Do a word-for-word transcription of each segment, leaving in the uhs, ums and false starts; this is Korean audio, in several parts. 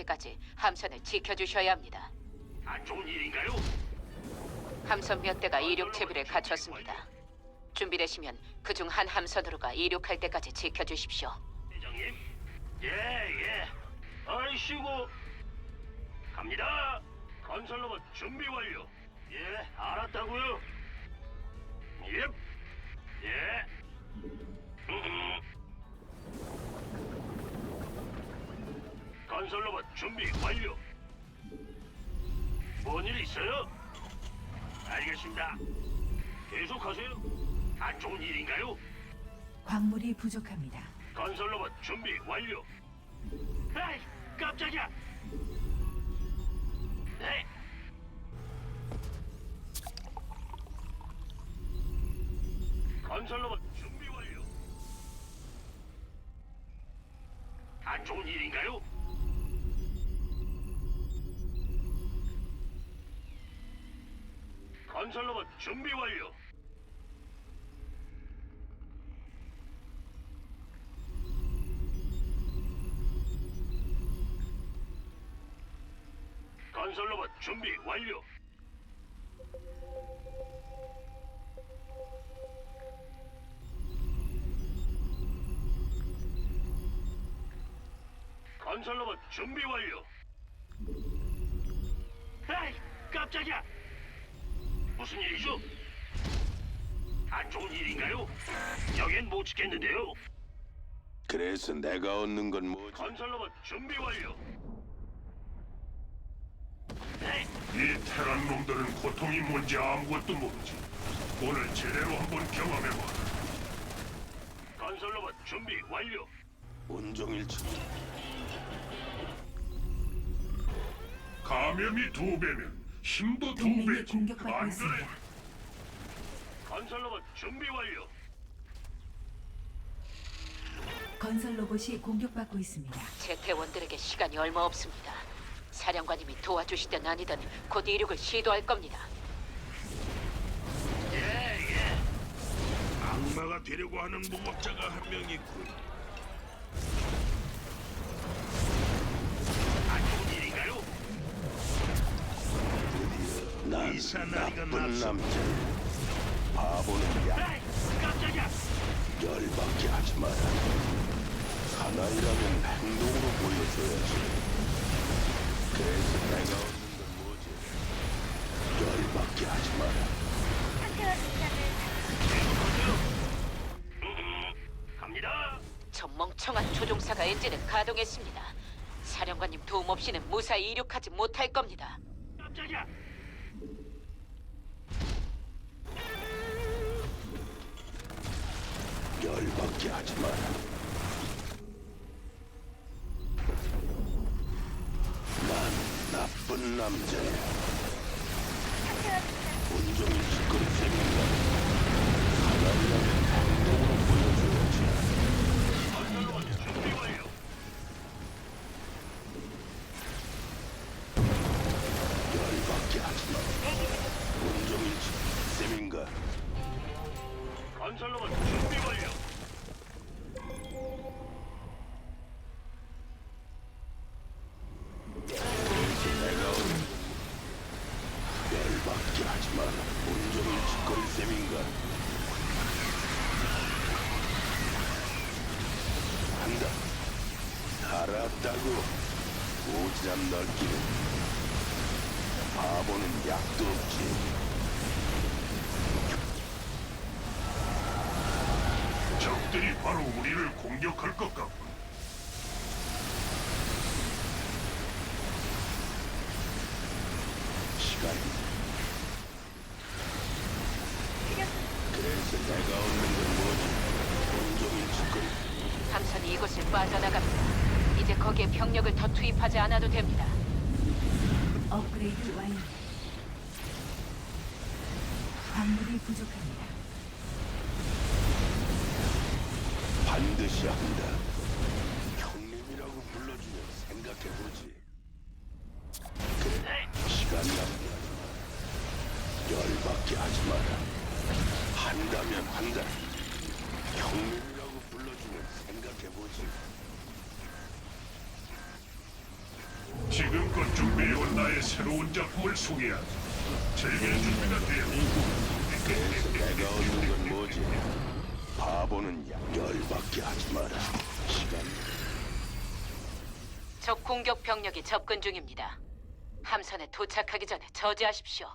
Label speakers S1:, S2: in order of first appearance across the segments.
S1: 때까지 함선을 지켜주셔야 합니다.
S2: 안 좋은 일인가요?
S1: 함선 몇 대가 이륙 채비를 갖췄습니다. 준비되시면 그중 한 함선으로가 이륙할 때까지 지켜주십시오.
S2: 대장님? 예, 예. 아이씨고. 갑니다. 건설로봇 준비 완료. 예, 알았다고요. 예. 예. 음. 건설로봇 준비 완료. 뭔 일 있어요? 알겠습니다. 계속하세요. 안 좋은 일인가요?
S3: 광물이 부족합니다.
S2: 건설로봇 준비 완료. 에이, 깜짝이야. 네. 건설로봇 준비 완료. 안 좋은 일인가요? 건설로봇 준비 완료. 건설로봇 준비 완료. 건설로봇 준비 완료. 에이, 깜짝이야. 무슨 일이죠? 안 좋은 일인가요? 여긴 못 지켰는데요.
S4: 그래서 내가 얻는 건 뭐지?
S2: 건설로봇 준비 완료. 네,
S5: 이 테란 놈들은 고통이 뭔지 아무것도 모르지. 오늘 제대로 한번 경험해봐.
S2: 건설로봇 준비 완료.
S4: 온종일 치
S5: 감염이 두 배면 힘도 두
S3: 동맹이
S5: 배지.
S3: 공격받고
S5: 안
S3: 있습니다.
S5: 그래?
S2: 건설로봇 준비 완료.
S3: 건설 로봇이 공격받고 있습니다.
S1: 제 대원들에게 시간이 얼마 없습니다. 사령관님이 도와주시든 아니든 곧 이륙을 시도할 겁니다.
S2: 예, 예.
S6: 악마가 되려고 하는 무법자가 한 명 있군.
S2: 안 좋은 일인가요?
S4: 난
S6: 이사나이가
S4: 나쁜
S6: 납치-
S4: 남자. 바보는 약
S2: 에이, 깜짝이야.
S4: 열받게 하지 마라. 사나이라면 행동으로 보여줘야지. 그래서 내가 얻는 건 뭐지? 열받게 하지 마라.
S2: 갑니다.
S1: 저 멍청한 조종사가 엔진을 가동했습니다. 사령관님 도움 없이는 무사히 이륙하지 못할 겁니다.
S2: 깜짝이야.
S4: 열받게 하지 마라. 난 나쁜 남자야. 온종일 시끄럽 생긴다. 사나이라면 행동으로 보여줘야지.
S2: 건설로봇 준비 완료.
S4: 열받게 하지 마. 온종일 셈인가?
S2: 건설로봇 준비 완료.
S4: 내가 오는 열받게 하지 마라. 온종일 짓거릴 셈인가? 한다. 알았다고. 오지랖 넓기는 바보는 약도 없지.
S5: 적들이 바로 우리를 공격할 것 같군.
S4: 시간. 그래서 내가 얻는 건 뭐지? 온종일 짓거리.
S1: 함선이 이곳을 빠져나갑니다. 이제 거기에 병력을 더 투입하지 않아도 됩니다.
S3: 업그레이드 완료. 광물이 부족합니다.
S4: 반드시 한다. 형님이라고 불러주면 생각해보지. 그래, 시간 낭비하지 마. 열받게 하지 마라. 한다면 한다. 형님이라고 불러주면 생각해보지.
S5: 지금껏 준비해온 나의 새로운 작품을 소개하지. 즐길 준비가
S4: 그래서
S5: 되었다.
S4: 내가 얻는 건 뭐지? 바보는 약 열받게 하지 마라. 시간
S1: 적 공격 병력이 접근 중입니다. 함선에 도착하기 전에 저지하십시오.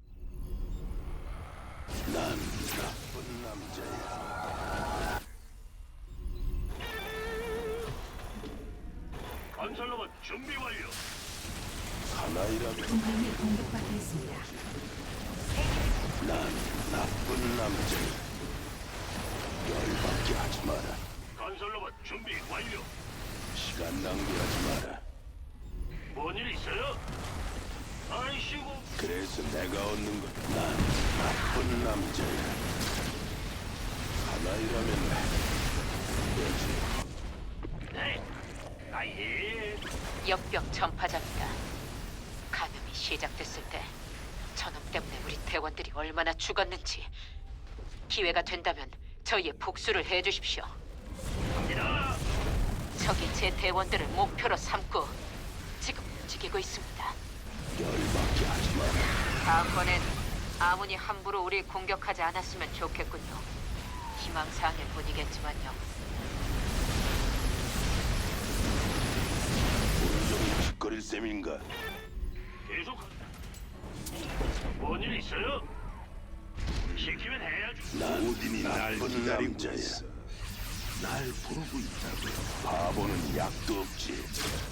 S4: 난 나쁜 남자야.
S2: 건설로봇 준비 완료.
S4: 하나이라도
S3: 동맹이 공격받고 있습니다.
S4: 난 나쁜 남자야. 열받게 하지 마라.
S2: 건설로봇 준비 완료.
S4: 시간 낭비하지 마라.
S2: 뭔 일 있어요? 아이씨고.
S4: 그래서 내가 얻는 건 난 나쁜 남자야. 하나이라면 되지.
S2: 네. 아예.
S1: 역병 전파자입니다. 감염이 시작됐을 때 저놈 때문에 우리 대원들이 얼마나 죽었는지 기회가 된다면 저희의 복수를 해주십시오.
S2: 갑니다.
S1: 적이 제 대원들을 목표로 삼고 지금 움직이고 있습니다.
S4: 열받게 하지 마라.
S1: 다음번엔 아무니 함부로 우리 공격하지 않았으면 좋겠군요. 희망사항일 뿐이겠지만요.
S4: 온종일 짓거릴 셈인가?
S2: 계속. 뭔 일 있어요? 시키면 해야죠.
S4: 난 오딘이 날 기다리고 있어. 날 부르고 있다고. 바보는 약도 없지.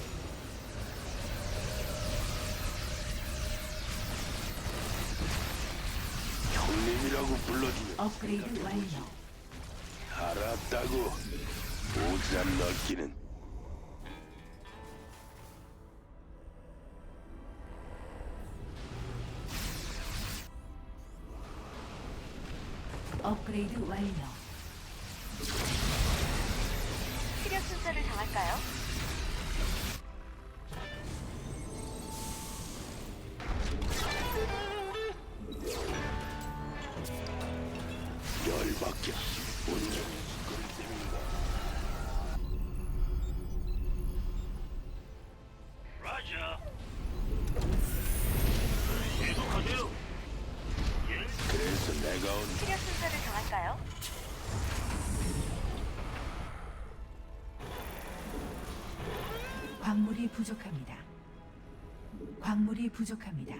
S4: 형님이라고 불러주면
S3: 업그레이드 완료.
S4: 알았다고. 오지랖 넓기는
S3: 업그레이드 완료.
S7: 시력 순서를 정할까요?
S4: 열받게. 온종일 짓거릴 셈인가?
S2: 라자. 계속하세요. 예.
S4: 그래서 내가 온
S7: 시력 순서를 정할까요?
S3: 광물이 부족합니다. 광물이 부족합니다.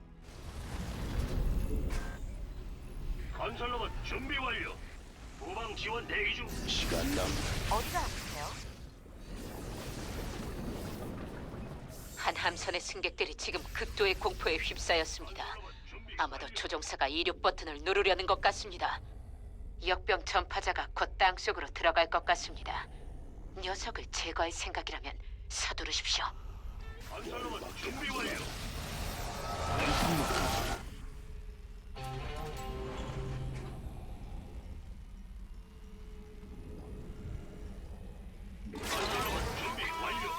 S2: 건설로봇 준비 완료. 후방 지원 대기 중.
S4: 시간 낭비.
S7: 어디가 아프세요?
S1: 한 함선의 승객들이 지금 극도의 공포에 휩싸였습니다. 아마도 조종사가 이륙 버튼을 누르려는 것 같습니다. 역병 전파자가 곧 땅속으로 들어갈 것 같습니다. 녀석을 제거할 생각이라면 서두르십시오.
S2: 건설로봇 준비 완료. 건설로봇 준비 완료.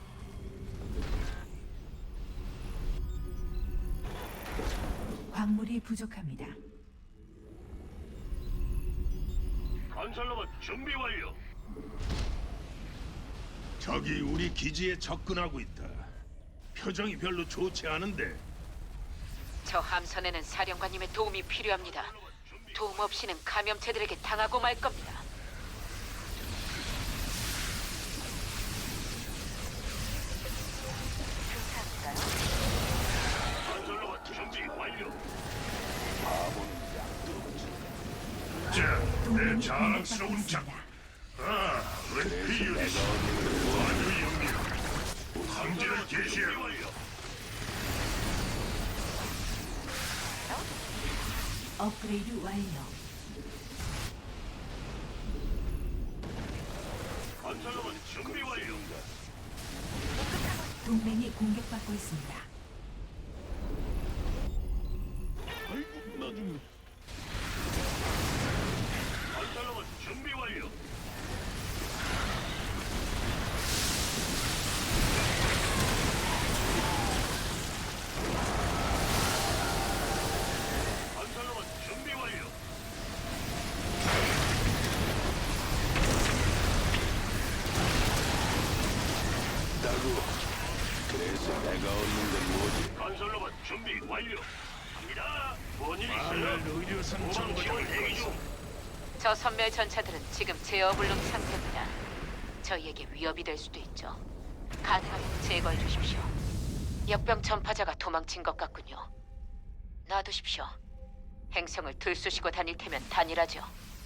S3: 광물이 부족합니다.
S2: 건설로봇 준비 완료.
S6: 적이 우리 기지에 접근하고 있다. 표정이 별로 좋지 않은데.
S1: 저 함선에는 사령관님의 도움이 필요합니다. 도움 없이는 감염체들에게 당하고 말 겁니다.
S7: 괜찮을까요?
S2: 건설로봇 준비 완료.
S4: 바보는 약도 없지.
S5: 자, 내
S3: 동맹이
S5: 자랑스러운
S3: 공격받고
S5: 작품.
S3: 있습니다.
S5: 아,
S4: 그래서
S5: 은폐율이
S4: 내가 얻는 건 뭐?
S5: 아주 영리하고 강제를 개시하고
S2: 완료.
S3: 업그레이드 완료.
S2: 건설로봇 준비 완료.
S3: 동맹이 공격받고 있습니다.
S6: 아이고 나좀
S2: 건설로봇 준비 완료. 건설로봇 준비 완료.
S4: 있다고. 그래서 그래서 내가 얻는 건 뭐지?
S2: 건설로봇 준비 완료. 갑니다. 뭔일
S6: 마을
S2: 있어요?
S6: 의료선
S2: 후방
S6: 정거장을
S2: 지원 대기 중.
S1: 저 선멸 전차들은 지금 제어불능 상태입니다. 저희에게 위협이 될 수도 있죠. 가능하면 제거해 주십시오. 역병 전파자가 도망친 것 같군요. 놔두십시오. 행성을 들쑤시고 다닐 테면 단일하죠.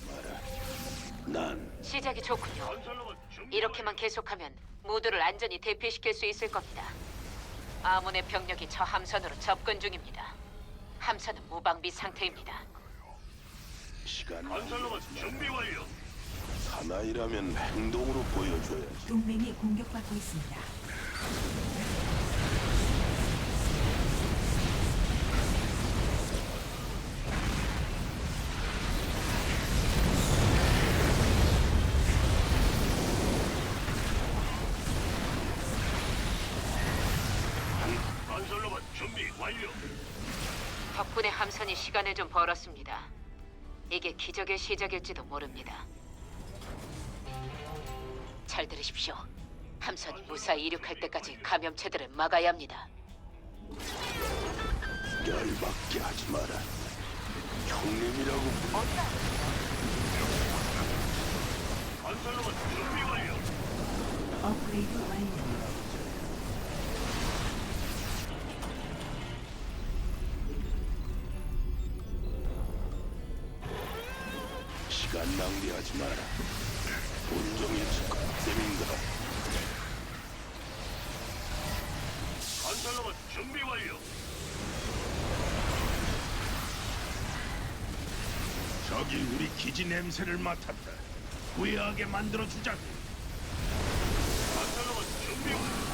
S4: 난
S1: 시작이 좋군요.
S2: 건설로봇 준비
S1: 이렇게만 계속하면 모두를 안전히 대피시킬 수 있을 겁니다. 아몬의 병력이 저 함선으로 접근 중입니다. 함선은 무방비 상태입니다.
S4: 시간
S2: 건설로봇 준비 완료.
S4: 사나이라면 행동으로 보여줘야지.
S3: 동맹이 공격받고 있습니다.
S2: 건설로봇 준비 완료.
S1: 덕분에 함선이 시간을 좀 벌었습니다. 이게 기적의 시작일지도 모릅니다. 잘 들으십시오. 함선이 무사히 이륙할 때까지 감염체들을 막아야 합니다.
S4: 열받게 하지 마라. 형님이라고 부-
S7: 어디가
S2: 건설로봇 준비 완료.
S3: 업그레이드 완료.
S4: 시간 낭비하지 마라. 온종일 셈인가?
S2: 건설로봇 준비 완료.
S6: 저기 우리 기지 냄새를 맡았다. 후회하게 만들어 주자고.
S2: 건설로봇 준비 완료.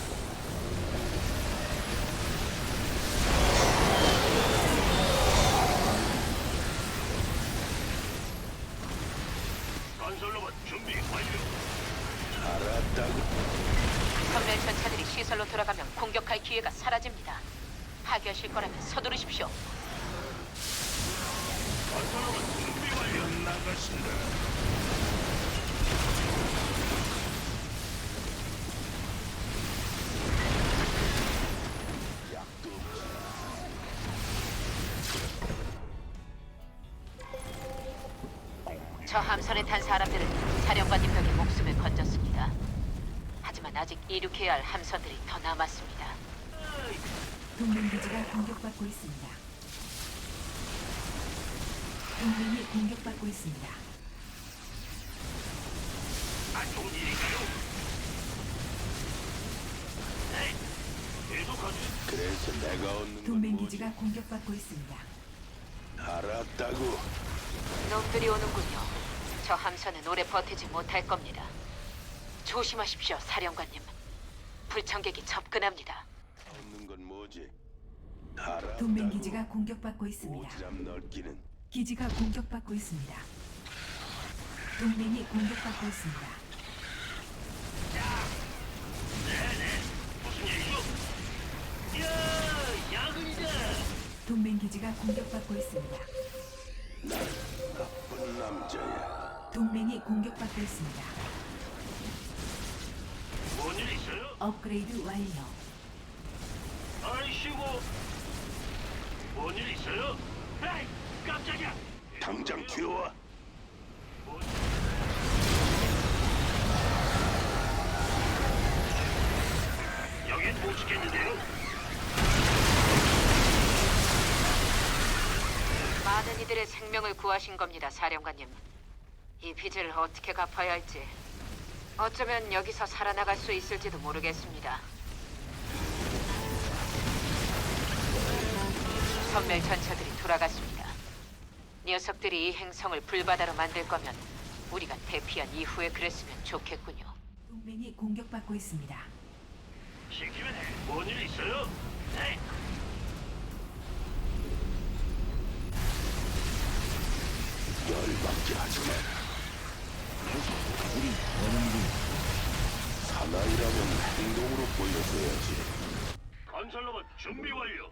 S2: 건설로봇 준비 완료.
S4: 알았다고.
S1: 선멸 전차들이 시설로 돌아가면 공격할 기회가 사라집니다. 파괴하실 거라면 서두르십시오.
S2: 건설로봇 준비 완료.
S6: 나가신다.
S4: 약도 없지.
S1: 저 함선에 탄 사람들은 사령관님 벽에 목숨을 건졌습니다. 하지만 아직 이륙해야 할 함선들이 더 남았습니다.
S3: 동맹 기지가 공격받고 있습니다. 동맹이 공격받고 있습니다.
S2: 안 좋은 일인가요? 네. 계속하지.
S4: 그래서 내가 얻는 건
S3: 동맹
S4: 뭐지?
S3: 기지가 공격받고 있습니다.
S4: 알았다고.
S1: 놈들이 오는군요. 저 함선은 오래 버티지 못할 겁니다. 조심하십시오, 사령관님. 불청객이 접근합니다.
S4: 얻는 건 뭐지? 알았다고.
S3: 동맹 기지가 공격받고 있습니다.
S4: 오지랖 넓기는
S3: 기지가 공격받고 있습니다. 동맹이 공격받고 있습니다.
S2: 무슨 일이죠? 야, 야근이다.
S3: 동맹 기지가 공격받고 있습니다.
S4: 나쁜 남자야.
S3: 동맹이 공격받고 있습니다.
S2: 뭔일 있어요?
S3: 업그레이드 완료.
S2: 아이씨고. 뭔일 있어요? 에이, 깜짝이야.
S4: 당장 튀어와.
S2: 여긴 못 지켰는데요.
S1: 많은 이들의 생명을 구하신 겁니다, 사령관님. 이 빚을 어떻게 갚아야 할지, 어쩌면 여기서 살아나갈 수 있을지도 모르겠습니다. 선멸 전차들이 돌아갔습니다. 녀석들이 이 행성을 불바다로 만들 거면 우리가 대피한 이후에 그랬으면 좋겠군요.
S3: 동맹이 공격받고 있습니다.
S2: 시키면 해. 뭔일 있어요? 네.
S4: 열받게 하지 마라. 우리 어른들 사나이라면 행동으로 보여줘야지.
S2: 건설로봇 준비 완료.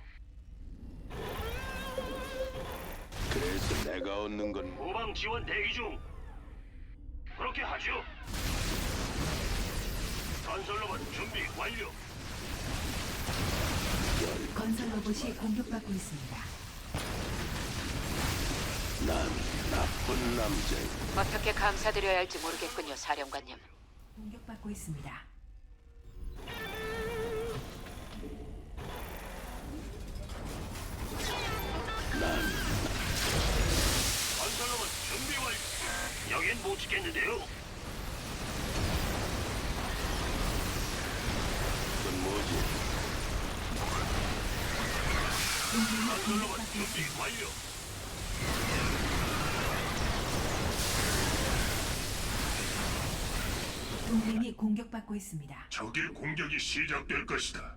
S4: 그래서 내가 얻는 건
S2: 후방 지원 대기 중. 그렇게 하죠. 건설로봇 준비 완료.
S3: 로봇이 공격받고 있습니다.
S4: 난 나쁜 남자야.
S1: 어떻게 감사드려야 할지 모르겠군요, 사령관님.
S3: 공격받고 있습니다.
S2: 건설로봇 준비 완료. 여긴 못 지켰는데요.
S4: 그건 뭐지?
S3: 동맹이
S2: 건설로봇
S3: 공격받고
S2: 준비
S3: 있습니다.
S2: 완료.
S3: 동맹이 공격받고 있습니다.
S5: 적의 공격이 시작될 것이다.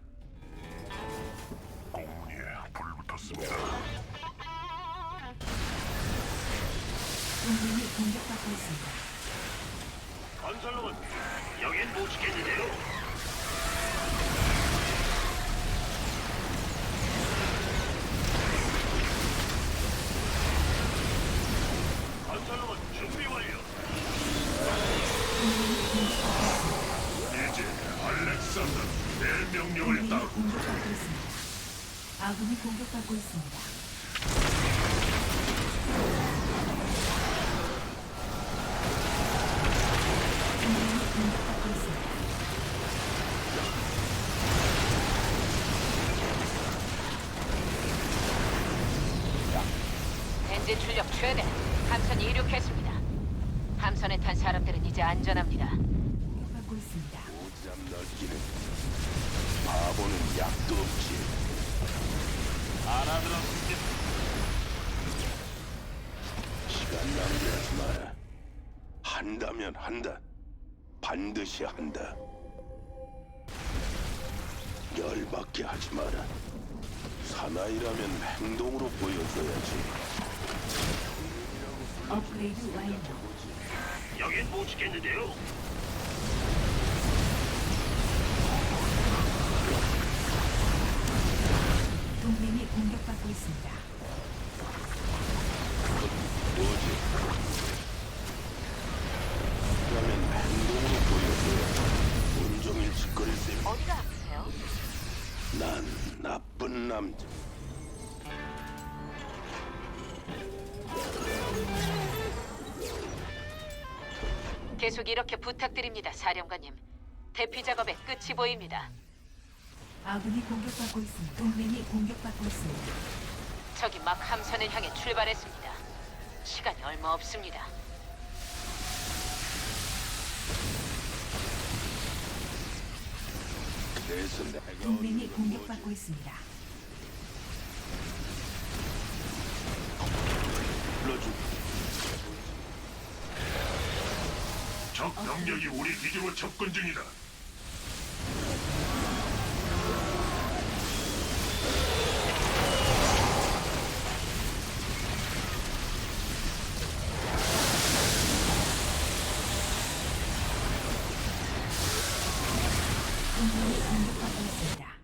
S5: 공문에 불붙었습니다.
S3: 동맹이 공격받고 있습니다.
S2: 건설로봇 여긴 못 지켰는데요. 건설로봇 준비 완료.
S5: 이제 알렉산더 내 명령을
S3: 동맹이
S5: 따르.
S3: 공격받고 있습니다. 아군이 공격받고 있습니다. 동맹이 공격받고 있습니다.
S1: 엔진 출력 최대. 함선이 이륙했습니다. 함선에 탄 사람들은 이제 안전합니다.
S3: 공격받고 있습니다.
S4: 오지랖 넓기는 바보는 약도 없지.
S2: 알아들었습니다.
S4: 시간 낭비하지 마라. 한다면 한다. 반드시 한다. 열받게 하지 마라. 사나이라면 행동으로 보여줘야지.
S3: 업그레이드 완료.
S2: 여긴 못 지켰는데요.
S3: 동맹이 공격받고 있습니다.
S4: 뭐지? 그러면 행동으로 보여줘야지. 온종일 짓거릴 셈.
S7: 어디가 아프세요?
S4: 난 나쁜 남자.
S1: 계속 이렇게 부탁드립니다, 사령관님. 대피 작업의 끝이 보입니다.
S3: 아군이 공격받고 있습니다. 동맹이 공격받고 있습니다.
S1: 적이 막 함선을 향해 출발했습니다. 시간이 얼마 없습니다.
S4: 그래서 내가
S3: 동맹이
S4: 얻는 건
S3: 공격받고 있습니다.
S4: 불러주.
S5: 적 병력이 우리 기지로 접근 중이다.
S3: 동맹이 공격받고 있습니다.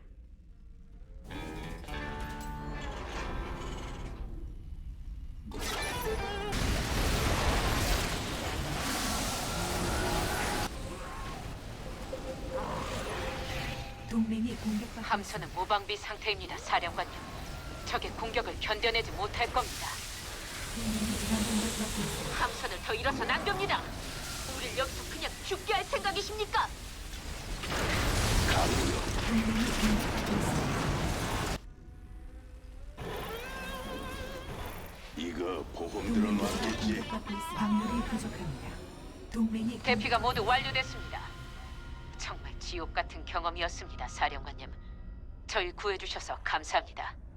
S3: 동맹이 공격받고
S1: 함선은 무방비 상태입니다, 사령관님. 적의 공격을 견뎌내지 못할 겁니다.
S3: 동맹이 지금 공격받고 있습니다.
S1: 함선을 더 잃어선 안 됩니다. 우릴 여기서 그냥 죽게 할 생각이십니까?
S3: 동맹이 공격받고 있습니다.
S4: 이거 보험
S3: 동맹
S4: 들어놨겠지?
S3: 기지가 공격받고 있습니다. 광물이 부족합니다. 동맹이
S1: 대피가 모두 완료됐습니다. 정말 지옥 같은 경험이었습니다, 사령관님. 저희 구해주셔서 감사합니다.